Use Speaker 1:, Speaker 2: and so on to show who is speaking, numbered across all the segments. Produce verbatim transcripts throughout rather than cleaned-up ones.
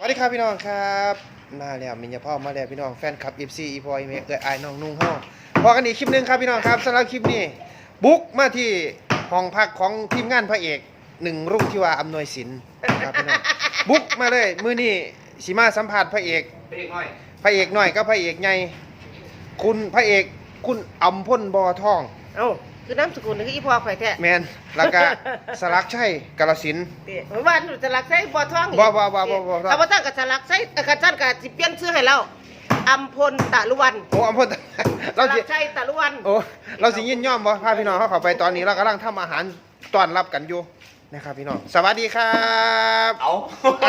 Speaker 1: วัสดีครับพี่น้องครับมาแล้วมินยาพ่อมาแล้วพี่น้องแฟนคลับ เอฟ ซี อีพอยเมกเกิดไอ้น้องนุ่งเฮาพอกันอีกคลิปนึงครับพี่น้องครับสำหรับคลิปนี้บุกมาที่ห้องพักของทีมงานพระเอกหนึ่งรุ่งที่ว่าอำนวยสินครับพี่น้องบุกมาเลยมื้อนี้สิมาสัมภาษณ์พระเอกพระเอกน้อยพระเอกน้อยกับพระเอกใหญ่คุณพระเอกคุณอำพลบ่อทอง
Speaker 2: เอ้าคือน้ำสกุลนี่คืออีพอข่อยแท้
Speaker 1: แมนแล้วก็สลักชัยกาฬสินธุ์
Speaker 2: เมื่อวานหนูจะรักใช้บ่อทอง
Speaker 1: บ่บ่บ่บ่บ่
Speaker 2: ถ้าบ่ตั้งกับสลักใช้กระจันกับสิเปลี่ยนชื่อให้เราอัมพลตะลุวัน
Speaker 1: โอ้อำพล
Speaker 2: เราสิชัยตะลุวัน
Speaker 1: โอ้เราสิยินยอมบ่พาพี่น้องเขาเข้าไปตอนนี้เรากำลังทำอาหารต้อนรับกันอยู่นะครับพี่น้องสวัสดีครับ
Speaker 3: เอา
Speaker 1: เอา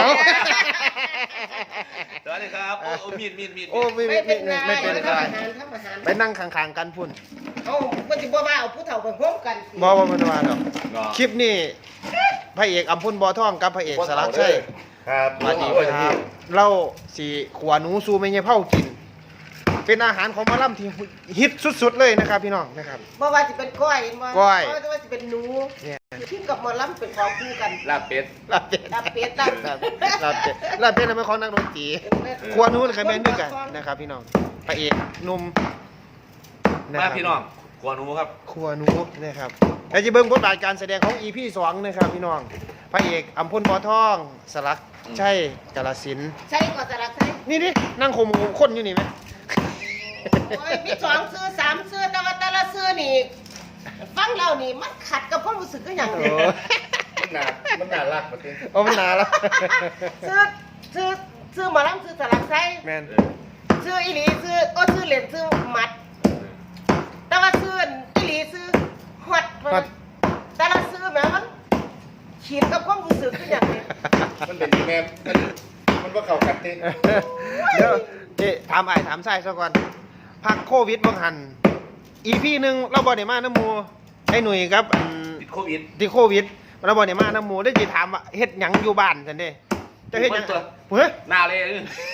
Speaker 3: สวัสดีครับโอ้มีดมีดมีด
Speaker 1: โอ้ไม่ไม่ไม่ไม่เป็นไรไปนั่งข้างๆกันพุ่น
Speaker 2: เอ้ามันสิบ่ว่าเอาผู้เฒ่าไปพร้อมกัน
Speaker 1: บ่บ่มันว่าดอกคลิปนี้พระเอกอำพลบ่อทองกับพระเอกสลักชัย
Speaker 3: ครับ
Speaker 1: สวัสดีครับเราสิขวาหนูสู่แม่ยายเผากินเป็นอาหารของหมอลำที่ฮิตสุดๆเลยนะครับพี่น้องนะครับ
Speaker 2: บ่ว่าสิเป็นก้อยบ่
Speaker 1: ก้อย
Speaker 2: บ่ว่าสิเป็นหนูเนี่ยที่กับหมอลำเป็นของคู่กัน
Speaker 3: ลาบเป็ด
Speaker 1: ลาบเป็ด
Speaker 2: ลาบเป็ดลาบ
Speaker 1: ลาบเป็ดลาบเป็ดเป็นของนักดนตรีขวาหนูเลยแม่นด้วยกันนะครับพี่น้องพระเอกหนุ่ม
Speaker 3: มาพี่น้องขวาหนูครับ
Speaker 1: ขวาหนูนะครับแล้วจะเบิ่งบทบาทการแสดงของ อี พี สองนะครับพี่น้องพระเอกอำพลบ่อทองสลักชัยกาฬสินธุ์
Speaker 2: ใช่ก็สลักใช่
Speaker 1: นี่ดินั่งข่มคนอยู่นี่ไหม
Speaker 2: โอ้ยมีสองซื้อสามซื้อแต่ว่าแต่ละซื้อนี่ฟังเรานี่มันขัดกับความรู้สึกก็อย่างนี้
Speaker 3: มันหนามันหนารักมาจริง
Speaker 1: โอ้มันหนาแล้ว
Speaker 2: ซื้อซื้อซื้อหมอลำซื้อสลักไส้
Speaker 1: แมน
Speaker 2: ซื้ออีหลีซื้อโอ้ซื้อเหรียญซื้อมัดแต่ว่าซื้ออีหลีซื้อฮอตแต่ละซื้อแม้มันขีดกับความรู้สึกก็อย่างนี้
Speaker 3: มันเป็นแม่มันมันว่าเขากัดติ
Speaker 1: เดี๋ยวเจ๊ถามไอ้ถามไส้ซะก่อนพักโควิดบางหันอีพีหนึ่งเราบอลเดมาน้ำมูไอ้หนุ่ยครับ
Speaker 3: ติดโควิด
Speaker 1: ติดโควิดเราบอลเดมาน้ำมูได้จีถามว่าเฮ็ดหยังอยู่บ้านสันเด้จะเฮ็ดหยัง
Speaker 3: เฮ้ยหน้าเลย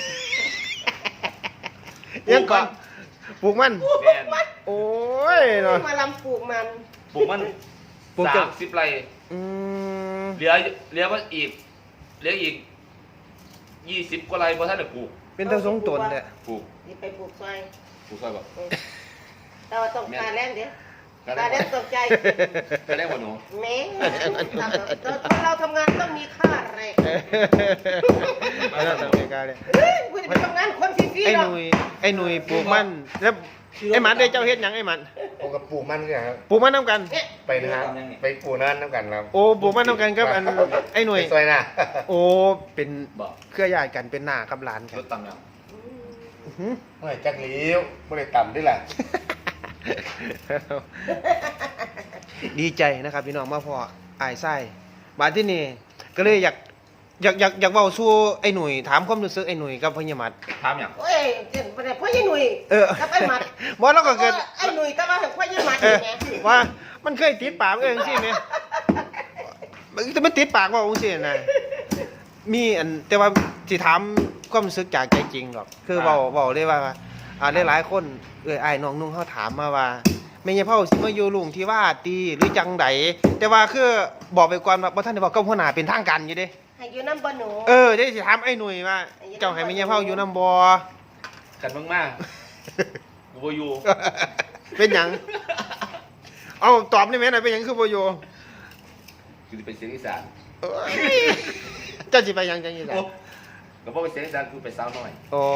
Speaker 1: ยังก่อนปลูกมัน
Speaker 2: ปลูกมัน
Speaker 1: โอ้ยเนาะ
Speaker 2: มาลำปลูกมัน
Speaker 3: ปลูกมันสามสิบไร่เหลือเหลือว่าอีกเหลืออีกยี่สิบกว่าไร่พอท่านจะปลูก
Speaker 1: เป็นตะสงตนเลย
Speaker 3: ปลูก
Speaker 2: นี่ไปปลูกซอย
Speaker 3: ปลูกซอยบ่
Speaker 2: แต่ว่าต้องการแรงเดี๋ยวการแรงตกใจ
Speaker 3: การแรงบ่หนู
Speaker 2: แม่เราทำงานต้องมีค่าแรง
Speaker 1: เราต้องมีค่าแรง
Speaker 2: เฮ้ยคุณไปทำงานคนฟรีๆ
Speaker 1: ไอ้หนุ่ยไอ้หนุ่ยปลูกมันแล้วไอ้หมันได้เจ้าเฮ็ดหยังไอ้หมัน
Speaker 3: ผมกับปลูกมันเนี่ยครับ
Speaker 1: ปลูกมันน้ำกัน
Speaker 3: ไปนะไปปลูกนั้นน้ำกันครับ
Speaker 1: โอ้ปลูกมันน้ำกันครับอันไอ้หนุ่ย
Speaker 3: ซอยน่ะ
Speaker 1: โอ้เป็นเครือญาติกันเป็นหน้ากับหลานกัน
Speaker 3: รถต่ำแล้วไม่จักเลี้ยวไม่ได้ต่ำด้วยแหละ
Speaker 1: ดีใจนะครับพี่น้องมาพออายไส้บาดที่นี่ก็เลยอยากอยากอยากอยากเว้าสู้ไอ้หนุ่ยถามความรู้สึกไอ้หนุ่ยกับพญามัด
Speaker 3: ถามอย่าง
Speaker 2: โอ้ยพ่อยี่หนุ่ยกับไอ้มัด
Speaker 1: บ่แล้วก็เกิด
Speaker 2: ไอ้หนุ่ยแต่ว่าพ่อยี่มัดไง
Speaker 1: ว่ามันเคยติดปากเองสิแม่แต่มันติดปากว่าองค์สินะมีอันแต่ว่าสิถามความรู้สึกจากใจจริงหรอกคือเว้าเว้าได้ว่าอ่าหลายๆคนเอ้ยอ้ายน้องนุ่งเฮาถามมาว่าแม่ยายเฒ่าสิมาอยู่ลุงที่ว่าตีหรือจังไดแต่ว่าคือบอกไปก่อนว่าบ่ทันได้บอกกับหัวหน้าเป็นทางการอยู่เด้
Speaker 2: ให้อยู่น้ำบ่หนู
Speaker 1: เออได้สิถามไอ้หนุ่ยว่าเจ้าให้แม่ยายเฒ่าอยู่น้ำบ่
Speaker 3: กันมากๆกูบ่อยู่
Speaker 1: เป็นหยังเอาตอบได้ไหมหน่อยเป็นหยังคือบ่อยู่
Speaker 3: คือเป็นเสียงอีสาน
Speaker 1: เจ้าสิไปหยังจังอีสาน
Speaker 3: ก็บ่เป็นเสียงอีสานคือไปสาวน้อย
Speaker 1: โอ้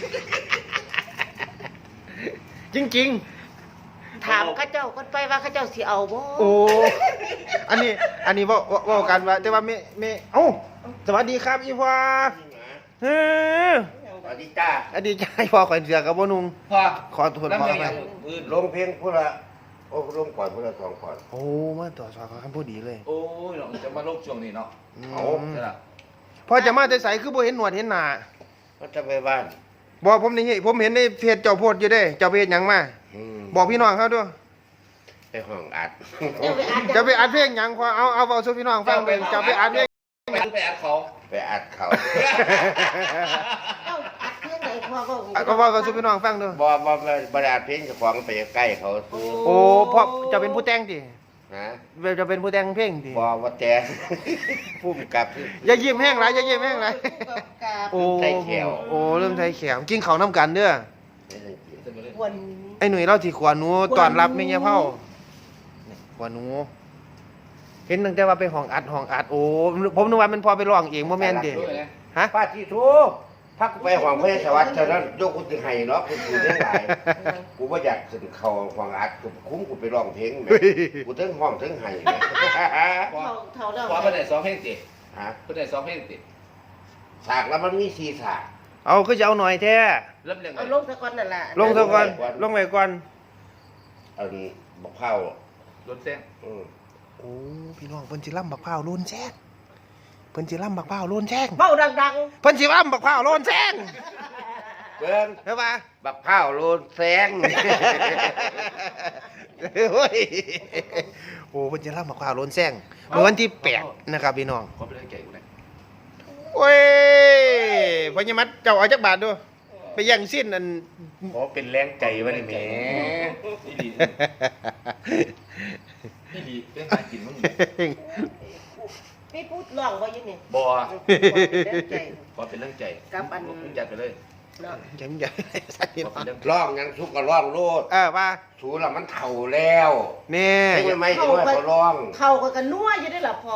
Speaker 1: จริง
Speaker 2: ๆถามข้าเจ้าคนไปว่าข้าเจ้าสิเอาบ่
Speaker 1: โอ้อันนี้อันนี้ว่าว่ากันว่าแต่ว่าแม่แม่เอ้าสวัสดีครับอีพ่อเฮ้อ
Speaker 3: สวัสดีจ้า
Speaker 1: สวัสดีจ้าพ่อขอเสือกับบ่นุ่ง
Speaker 3: พ่อ
Speaker 1: ขอโทษพ่อไป
Speaker 3: ลงเพลงพุ่นละโอ้ลงก่อนพุ่นละสองก่อน
Speaker 1: โอ้มาต่อสองคำพูดดีเลย
Speaker 3: โอ้ยเราจะมาลงช่วงนี้เนาะเอาใช่ล่ะ
Speaker 1: พ่อจะมาแต่ไสคือบ่เห็นหนวดเห็นหน้า
Speaker 3: ก็จะไปบ้าน
Speaker 1: บ่ผมนี่ผมเห็นในเพจเจ้าโพสอยู่เด้เจ้าไปเฮ็ดหยังมาบอกพี่น้องเขาด้วย
Speaker 3: ไปห้องอัด
Speaker 1: จะไปอัดเพลงหยังพอเอาเอาเอาสู่พี่น้องฟังเป็นจะไปอัดเพลง
Speaker 3: ไปอัดเขาไปอัดเขา
Speaker 2: เอาอัดเพลงไหนพ่อก็
Speaker 1: ก็ว่ากับสู่พี่น้องฟังด้วย
Speaker 3: บ่บ่บ่ได้อัดเพลงเจ้าของไปใกล้เขา
Speaker 1: โอ้เพราะจะเป็นผู้แต่งดิ
Speaker 3: เ
Speaker 4: ฮะ
Speaker 1: จะเป็นผู้แต่งเพลงดิ
Speaker 4: บอว่าแต่ผู้กำกับ
Speaker 1: อย่ายิ้มแห้งไรอย่ายิ้มแห้งไร
Speaker 2: กับ
Speaker 1: โอ้
Speaker 4: ใส่แขว
Speaker 1: โอ้เริ่มใส่แขวกินเขาวน้ำกันเด้อ
Speaker 2: วัน
Speaker 1: ไอ้หนุ่ยเล่าที่ขวาหนูตอนรับไม่เงี้ยเผานี่ขวาหนู เห็นตั้งแต่ว่าไปห้องอัดห้องอัดโอ้ผมนึกว่ามันพอไปร้องเองโมเมนต์เด็ฮะ
Speaker 4: ป้าที่ทูพักไปหวังพระสวัสดิ์เท่านั้นโยกกูถึงไห้เนาะกูกูเรื่องหลายกูว่าอยากขึ้นเขาหวังอัดกูคุ้มกูไปร้องเพลงแม่กูถึงห้องถึงไห้แม่
Speaker 2: เท่าเท่าเดิม
Speaker 3: ขอเพื่อนไหนซ้อมเพลงติ
Speaker 4: ฮะ
Speaker 3: เพื่อนไหนซ้อมเพลงติ
Speaker 4: ฉากแล้วมันมีสีฉาก
Speaker 1: เอาคือจะเอาหน่อยแท้
Speaker 3: เริ่มเรียง
Speaker 2: เอาลงตะกอนนั่นแหละ
Speaker 1: ลงเท่าก่อนลงไปก่อน
Speaker 4: อันบักเผาร
Speaker 3: ถแจ้ง
Speaker 4: อืม
Speaker 1: โอ้พี่น้องเพิ่นสิล่ำบักพร้าวโลนแซงเพิ่นสิล่ำบักพร้าวโลนแซง
Speaker 2: เบ้าดัง
Speaker 1: เพิ่นสิล่ำบักพร้าวโลนแซง
Speaker 4: เบิ้ง
Speaker 1: เห็นปะ
Speaker 4: บักเผาโลนแสง
Speaker 1: เฮ้ยโอ้เพิ่นสิล่ำบักพร้าวโลนแซงเมื่อวันที่แปดนะครับพี่น้อง
Speaker 3: ขอไปเล่นไก่กูหน่อย
Speaker 1: โอ้ยพญามัดเจ้าเอาจักบาทดูไปแย่งสิ้นอัน
Speaker 4: โอ้เป็นแรงใจวะนี่แหม่
Speaker 3: นี่ดีนี่ดีเรื่องหากินมึง
Speaker 2: ๆพี่พูดร้องว่ายังไง
Speaker 3: บอ
Speaker 2: เล่นใจ
Speaker 3: ขอเป็นเรื่องใจ
Speaker 2: กับอัน
Speaker 3: มึงจัดไปเลย
Speaker 2: เนาะ
Speaker 1: ยังใหญ่สักที
Speaker 3: ขอเป็นเรื่อง
Speaker 4: ร้องยังสุกก็ร้องโลด
Speaker 1: เออว่า
Speaker 4: สูละมันเฒ่าแล้ว
Speaker 1: นี่
Speaker 4: ไม่ไม่ถึงว่าเขาร้อง
Speaker 2: เท่ากันกันนัวอยู่ได้หรอพอ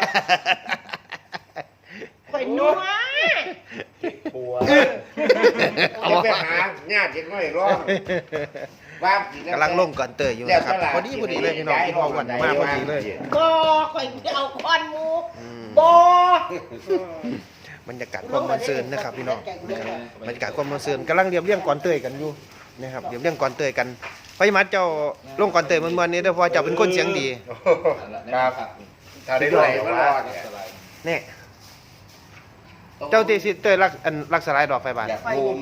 Speaker 2: ไปนัว
Speaker 4: ปัวเอาไปหาญาติเด็กน้อยร้องว่าสิ
Speaker 1: กำลังลงก่อนเตยอยู่นะครับพอดีพอดีเลยพี่น้องพี่น้องวันมากพอดีเลย
Speaker 2: บ่ข่อยจะเอาคอนหมู
Speaker 1: อืม
Speaker 2: บ่
Speaker 1: บรรยากาศความมันเซินนะครับพี่น้องนะครับบรรยากาศความมันเซินกำลังเรียบเรียงก่อนเตยกันอยู่นะครับเรียบเรียงก่อนเตยกันพญามัดเจ้าลงก่อนเตยมันวันนี้เด้อเพราะเจ้าเป็นคนเสียงดี
Speaker 4: ครับถ้าได้ไหลก็รอดเนี่ย
Speaker 1: เนี่ยเจ้าตีสิเตยรักอันรักสลายดอกไฟบาน
Speaker 4: อยากภูมิ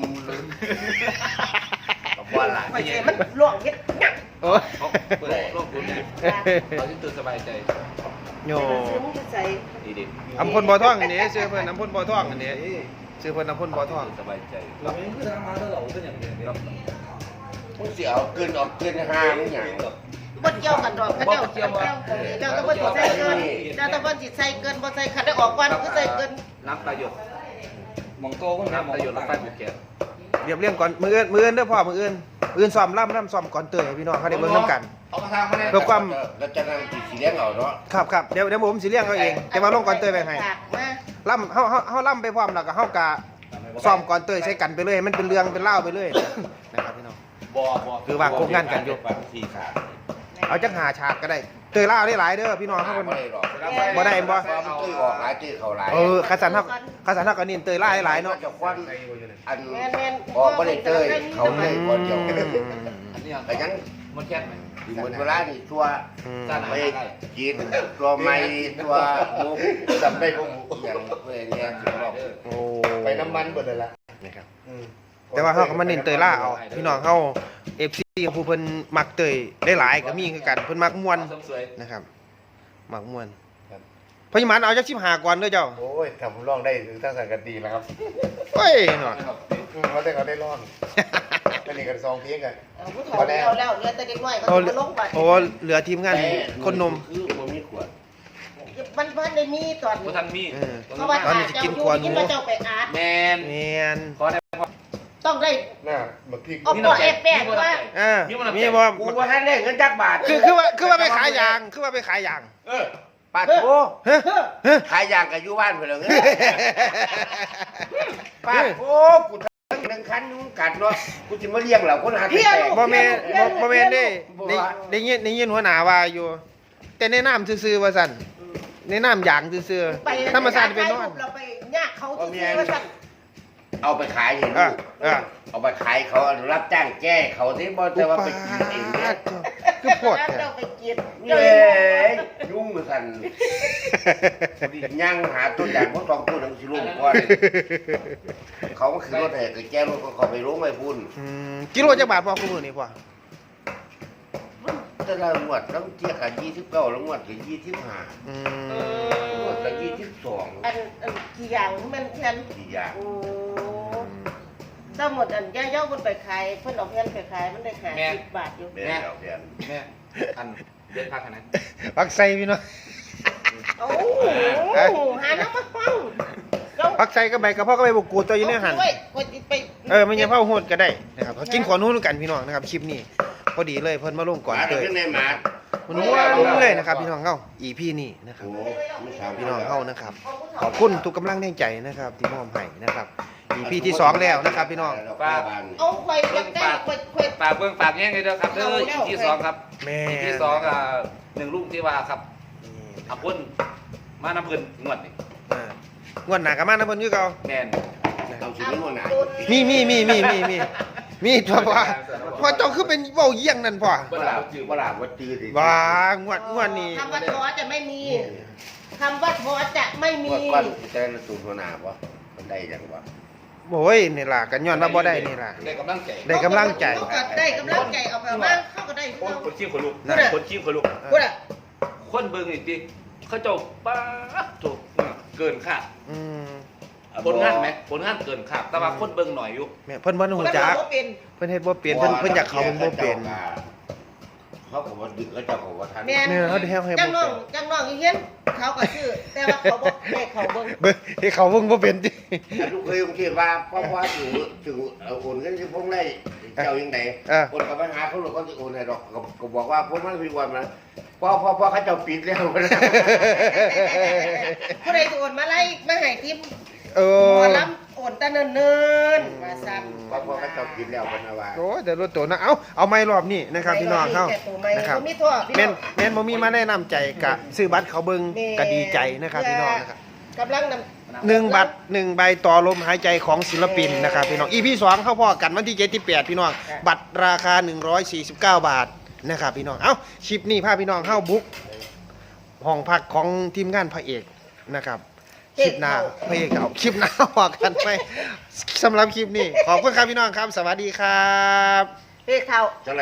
Speaker 4: กับว่าหลาน
Speaker 2: ข่อยสิมันลวกเฮ็ดงัก
Speaker 1: โอ้ย
Speaker 3: เขาเปิดโลกคุณเนี่ยเราที่ตื่นสบายใจ
Speaker 1: โย
Speaker 2: ซื้อมึงจะใส่
Speaker 3: ดีดี
Speaker 1: อำพลบ่อท่องอันนี้ซื้อเพิ่นอำพลบ่อท่องอันนี้ซื้อเพิ่นอำพลบ่อท่อง
Speaker 3: สบายใจ
Speaker 5: เราไม่คือทำมาแล้วเราเป็นอย่างเดียว
Speaker 4: มึงเสียเอาเกินออกเกินห้ามึงอย่าง
Speaker 2: บ่เกี่ยวกันดอกเขาเจ้าเกี่ยวเจ้าต้องบ่ใส่เกินเจ้าต้องบ่สิใส่เกินบ่ใส่คันได้ออกก่อนคือใส่เกิน
Speaker 3: น้ำประโยชน์
Speaker 5: มองโตก็ไม่ม
Speaker 3: น้ำ
Speaker 5: อง
Speaker 3: ประโยชน์รถไฟ
Speaker 5: ตา
Speaker 3: บุกแก
Speaker 1: เรียบเรียงก่อนมืออื่นมืออื่นเด้อพ่อมืออื่นมืออื่นซ้อมล่ำล่ำซ้อมก่อนเตยให้พี่น้องเขาได้เบิ่งนํกัน
Speaker 3: เอากระทางมาเนี่ย
Speaker 1: เพื่อความ
Speaker 4: แล้วจะนั่งติดสีเลี้ยงเอาเนาะ
Speaker 1: ครับครับเดี๋ยวเดี๋ยวผมสิเลี้ยงเขาเองแต่ว่าลงก่อนเตยไปให้
Speaker 2: ฝากมา
Speaker 1: ล่ำเฮาเฮาเฮาล่ำไปพร้อมแล้วก็เฮากะซ้อมก่อนเตยใช้กันไปเลยให้มันเป็นเรื่องเป็นเล่าวไปเลยนะครับพี่น้อง
Speaker 3: บอบอ
Speaker 1: คือวางโครงงานกันอยู่
Speaker 4: ฟังสี่ขาด
Speaker 1: เอาจังหาฉากก็ได้เตยเล่าวได้หลายเด้อพี่น้องเขา
Speaker 4: ไม่
Speaker 1: เพิ่น
Speaker 4: ได้หรอก
Speaker 1: บ่ได้บ่
Speaker 4: ความตื้อออกหลายตื้อเขาหลาย
Speaker 1: เออคาสันเฮาคาสันเฮาก็นี่เตยเล่าวให้หลายเนาะ
Speaker 4: จะควันอัน
Speaker 2: แม่นๆ
Speaker 4: บอกไม่ได้เต้ยเขาเลยคนเดียว
Speaker 3: อันนี้
Speaker 4: แต่ยัง
Speaker 3: มันแค่ไหน
Speaker 4: เหมือนเวลานี่ตัว
Speaker 1: อืม
Speaker 4: ไปกินตัวไม่ตัวมุกจำได้พวกอย่างเพื่อนเนี่ยสิบอก
Speaker 1: โอ้
Speaker 4: ไปน้ำมันหมดเลยละ
Speaker 1: นะครับแต่ว่าเฮาก็มาเน้นเตยล่าวเอาพี่น้องเฮา เอฟ ซี ของผู้เพิ่นมักเตยได้หลายก็มีคือกันเพิ่นมักม่วน
Speaker 3: สวย
Speaker 1: นะครับมักม่วนพญามันเอาจักสิบห้าก่อนเด้อเจ้า
Speaker 6: โอ้ยทำผมร้องได้ถึงตั้งสังกัดดีแล้วครับ
Speaker 1: เฮ้ยเนาะ
Speaker 6: อืมเขาได้เขาได้ร้องก็นี่กันซองเพียงกัน
Speaker 2: เอาผู้ถอแล้วแล้วเหลือแต่เด็กน้อยก็
Speaker 1: โอ้
Speaker 2: จะลงไป
Speaker 1: โอ้เหลือทีมงานคนนม
Speaker 4: คือมันมีขวด
Speaker 2: มันเพิ่นได้มีตอน
Speaker 3: ๆพ
Speaker 2: นี้
Speaker 3: ท่านมี
Speaker 1: เออ
Speaker 2: เพราะว่า
Speaker 1: ตอนนี้จะกินขวานหมู
Speaker 2: กินมาเจ้าไปอาร์ต
Speaker 3: แมน
Speaker 1: แม่น
Speaker 3: ขอได้
Speaker 2: ต้องได้
Speaker 6: น่ะบักพริก
Speaker 2: เอาปอแอบแปะว่า
Speaker 1: อ่ามีบ่
Speaker 4: กูว่าให้ได้เงินจักบาท
Speaker 1: คือคือว่าคือว่าไปขายยางคือว่าไปขายยาง
Speaker 4: เออปาดโถ
Speaker 1: ฮะฮะ
Speaker 4: ขายยางกับอยู่บ้านเพื่อนเลยปาดโถกูทั้งหนึ่งคันมึงกัดเนาะกูจะมาเลี้ยงเหล่าคนหาแต่
Speaker 1: บ่แม่นบ่บ่แม่นเด้ได้ได้ยินได้ยินหัวหน้าว่าอยู่ แต่ในน้ำซื่อๆว่าซั่นในน้ำยางซื่อ
Speaker 2: ไป
Speaker 1: ๆธรรมชาติเป็นนอน
Speaker 2: เราไปยากเขาที่ว่าสั่น
Speaker 4: เอาไปขายเห็น
Speaker 1: อ่ะอ่ะ
Speaker 4: เอาไปขายเขารับจ้างแก้เขาที่บ่แต่ว่าไปกินเองเนี่ย
Speaker 1: คือโพดแท้
Speaker 2: เราไปกิน
Speaker 4: เย้ยยุ่งมือสั่นดิย่างหาตัวอย่างพวกสองตัวหนังสิลุ่มก่อนเขาก็คือรถแห่ก็แก้รถก็เขาไปรู้ไม่พุ่น
Speaker 1: อืมกิโลจักบาทพอคู่มือนี่พ่อ
Speaker 4: แต่ละงวดต้องเทียบกับยี่สิบเก้าแล้วงวดกับยี่สิบห้า
Speaker 1: อื
Speaker 2: เอ
Speaker 1: ม
Speaker 4: งว
Speaker 2: อ
Speaker 4: ดกับยี่สิบสอง
Speaker 2: อันอันกี่อย่างมันแทน
Speaker 4: สี่อย่าง
Speaker 2: โอ้ถ้าหมดอันย่าเย้ามันไปขายเพิ่นเอาแผ่นไปขายมันได้ขายสิบบาทอยู่
Speaker 4: เดือนเดียวเดือน
Speaker 3: แม่อันเด็ดพักขนาดนั้น
Speaker 1: ผักใส่พี่น้อง
Speaker 2: โอ้โหหาน้ำมาฟังเรา
Speaker 1: ผักใส่ก็ใบกระเพาะก็ใบบุกูดตัวอยู่ในหัน
Speaker 2: เอาด้วยกดไป
Speaker 1: เออไม่ใช่เผาโหดก็ได้นะครับเขากินขอนู้นกันพี่น้องนะครับคลิปนี้พอดีเลยเพิ่นมาลงก่อน
Speaker 4: หมา
Speaker 1: เล
Speaker 4: เดี๋ย
Speaker 1: ยว
Speaker 4: ขึ้นในหมา
Speaker 1: มันม้วนเลยนะครับพี่น้องเฮาอีพี่นี่นะครับ
Speaker 4: โอ้ไม่ถาม
Speaker 1: พี่น้องเฮานะครับขอบคุณทุกกำลังแรงใจนะครับที่มอบให้นะครับอีพี่ที่สองแล้วนะครับพี่น้อง
Speaker 2: เอาไข่ยักได้ไข่ไข่
Speaker 3: ฝากเบิ่งฝากแย่งเลยเด้อครับเด้ออีที่สองครับ
Speaker 1: แม่
Speaker 3: อีที่สองอ่ะหนึ่งลูกที่ว่าครับอาพุ่นมาน้ำเพิ่นงวดนี่
Speaker 1: อ่างวดหน้าก็มานะเพิ่นคือเก่า
Speaker 3: แม่น
Speaker 4: เอาชีวิตมันหนา
Speaker 1: มีมีมีมีมีมีมีพ่อว่าพ่อเจ้าคือเป็นเว้าเยี่ยงนั่นพ่อ
Speaker 4: บ่หลาบจื้อบ่หลาบว่าจื้อดิ
Speaker 1: ว่างวดงวดนี้
Speaker 2: คำว่าท้อจะไม่มีคำว่าท้อจะไม่มี
Speaker 4: ว่าก้อนจะได้ตูนหัวหน้าบ่มันได้จังบ่
Speaker 1: โอ้ยนี่ล่ะกันย้อนว่าบ่ได้นี่ล่ะ
Speaker 3: ได้กำลังใจ
Speaker 1: ได้กำลังใจ
Speaker 2: เขาก็ได้กำลังใจเอาไปบ้างเขาก็ได้
Speaker 3: คนคนขี้คนลุก
Speaker 1: นั่น
Speaker 3: คนขี้คนลุก
Speaker 2: พูดอ่ะ
Speaker 3: คนเบิ่งนี่ติเขาเจ้าป้าดถูกเกินคาด
Speaker 1: อืม
Speaker 3: ผลงานไหมผลงานเกินคาดแต่ว่าคนเบิ่งหน่อยอยู่
Speaker 1: แม่เพิ่นบ่ฮู้จัก
Speaker 2: เขาเป็น
Speaker 1: เพิ่นเฮ็ดบ่เป็นเพิ่นเพิ่นอยากเข้าเพิ่นบ่เป็น
Speaker 4: เขาก็บ่ดึกเขาเจ้าก็บ่ทัน
Speaker 2: แม่
Speaker 1: เนี่ยเขาได้ให้
Speaker 2: จังน้องจังน้องอีเฮียนเขาก็ชื่อแต่ว่าเขาบอกให้เขาเบิ่ง
Speaker 1: เบิ่งให้เขาเบิ่งบ่เป็นติ
Speaker 4: แต่ลูกเคยผมคิดว่าพ่อพ่อถึงถึงเอาโอนเงินที่พงได้เจ้ายังไง
Speaker 1: เออ
Speaker 4: โอนกับปัญหาเขาหรือเขาจะโอนให้ดอกก็ก็บอกว่าพวกมันมีวันมาพ่อพ่อพ่อเขาเจ้าปิดแล้วนะ
Speaker 2: ผู้ใดโอนมาไล่มาให้ทิม
Speaker 1: เอ
Speaker 2: หม
Speaker 1: อ
Speaker 2: อลำโอนแตะเนิ่นๆมาซ้ำ
Speaker 4: พ่อพ่อเขาเจ้าปิดแล้วเป็นว่า
Speaker 1: โอ้ยแต่รถตัวนะเอ้าเอาไม้รอบนี้นะครับพี่น้องเฮานะครับ
Speaker 2: มีทั่วพี่น้
Speaker 1: แม่
Speaker 2: อน ง
Speaker 1: แม่นบ่มีมาแนะนำใจกะซื้อบัตรเขาเบิ่งก็ดีใจนะครับพี่น้องนะครับ
Speaker 2: กำลังนำ
Speaker 1: หนึ่งบัตรหนึ่งใบต่อลมหายใจของศิลปินนะครับพี่น้อง อี พี สองเข้าพอกันวันที่เจ็ดที่แปดพี่น้องบัตรราคาหนึ่งร้อยสี่สิบเก้าบาทนะครับพี่น้องเอ้าคลิปนี้พาพี่น้องเข้าบุ๊กห้องพักของทีมงานพระเอกนะครับคลิปหน้าพระเอกเอาคลิปหน้าว่ากันไปสำหรับคลิปนี้ขอบคุณครับพี่น้องครับ สวัสดีครับ
Speaker 2: เฮ้ยเขา